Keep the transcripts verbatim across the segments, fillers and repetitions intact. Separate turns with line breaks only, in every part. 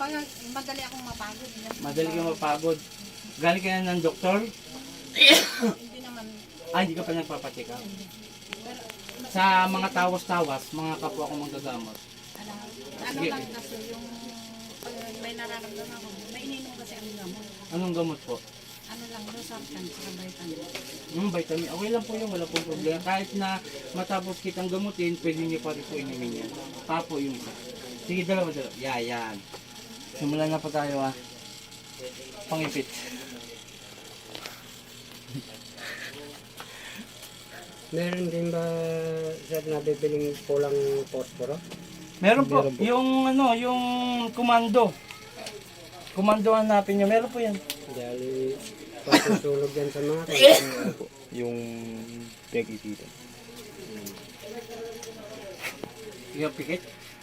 Pag madali akong mapagod.
Madali kang mapagod. Galing ka na ng doktor?
Hindi naman.
Ah, hindi ka pa nagpapacheck up.
Pero,
Sa mga tawas-tawas, mga kapwa ko manggagamot.
ano, ano
Sige.
lang kasi yung pag may nararamdaman ako, may ininom kasi ang gamot.
Anong gamot po?
Ano lang, losartan, saka vitamin.
Hmm, vitamin. Okay lang po yun, wala pong problema. Kahit na matapos kitang gamutin, pwede niyo pa rin po inumin yan. Papo yung isa. Sige, dalawa, dalawa. Yeah, yan. Simulan na po tayo ah. Pangipit.
Meron din ba sa nabibiling pulang posporo?
Meron po,
Meron po.
yung ano, yung komando. Komando hanapin niyo, meron po yan.
Dahil pagsusulog yan sa mga kaya.
Yung peg dito.
Yung pikit.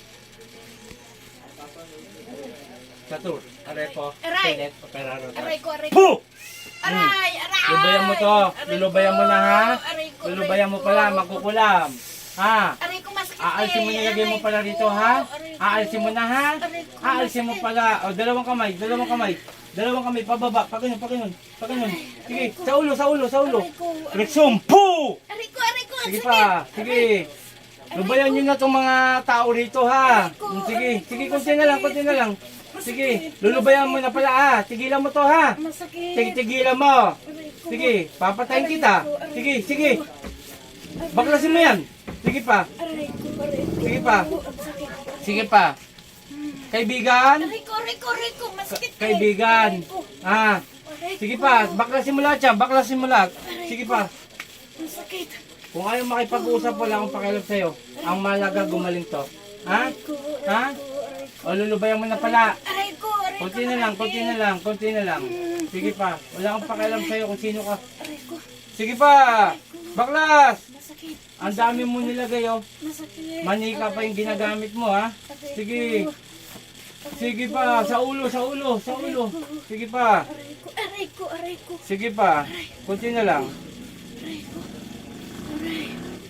Satur, aray po.
Aray!
Tenet, operaro.
Aray ko, aray ko.
Puh!
Aray, aray!
Lulubayan mo to.
Aray ko,
Lulubayan mo na ha.
aray ko,
Lulubayan mo
aray
pala,
ko.
magkukulam. Ha?
Aray ko, masakit
Aalisin mo
eh.
nilagay mo
Aray
pala
ko,
rito ha.
aray ko.
Aalisin mo na ha.
Aray ko,
Aalisin mo
masakit.
pala. O, dalawang kamay, dalawang kamay. Dalawang kamay, pababa. Pagano'n, pagano'n. Pagano'n. Sige, sa ulo, sa ulo, sa ulo.
Aray ko, aray ko.
Rexum, puh!
Aray ko, aray ko,
Sige
sakit.
pa, sige. Lubayan nyo na itong mga tao rito ha. Mm, Sige, sige, konti na lang, konti na lang. Sige, lulubayan mo na pala ha. Tigilan mo to ha.
Masakit.
Sige, tigilan mo.
Aray ko.
Sige, papatayin kita. Sige, sige. Baklasin mo yan. Sige pa,
Aray ko, aray ko.
sige pa.
Ang sakit.
Sige pa. Kaibigan,
Aray ko, aray ko, aray ko. Masakit eh.
kaibigan.
Aray ko,
Ah,
aray
sige
ko.
pa, baklasin mo lahat yan, baklasin mo lahat. Sige pa.
Masakit.
Kung ayaw makipag-usap, wala akong pakialam sa'yo. Ang malaga gumaling to. Ha?
Aray ko, aray
Ha?
ko, aray ko.
O lulubayan mo na pala.
Aray ko, aray ko.
Kunti na lang, kunti na lang, kunti na lang. Sige pa, wala akong pakialam sa'yo kung sino ka.
Aray ko,
Sige pa! Baklas!
masakit.
Ang dami mo nilagay oh.
Masakit.
Manika pa yung ginagamit mo ha.
Aray
Sige.
ko,
Sige pa, sa ulo, sa ulo, sa ulo. Sige pa.
Aray ko, aray ko, aray ko.
Sige pa. Kunti na lang.
Aray ko. Aray.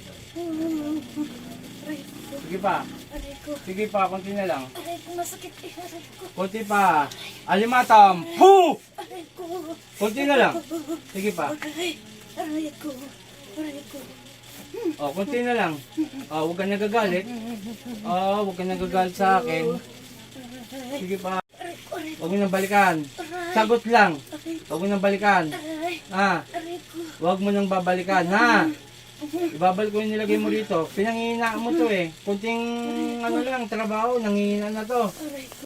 Aray ko,
Sige pa.
aray ko.
Sige pa, kunti na lang.
Aray ko, masakit eh. Aray ko,
Kunti pa. Alimatam. Puh!
aray ko.
Kunti na lang. Sige pa.
Aray, aray ko. Aray ko.
O, kunti na lang. O, huwag ka nagagalit. O, huwag ka nagagalit sa akin. Sige pa.
Aray ko, aray ko.
Huwag mo nang balikan. Sagot lang.
Aray ko,
Huwag mo nang balikan.
aray.
Ha?
Aray ko.
Huwag mo nang babalikan, ha? Ibabalik ko yung nilagay mo rito. Pinangihina mo to eh. Kunting ano lang, trabaho, nangihina na to.
Aray ko.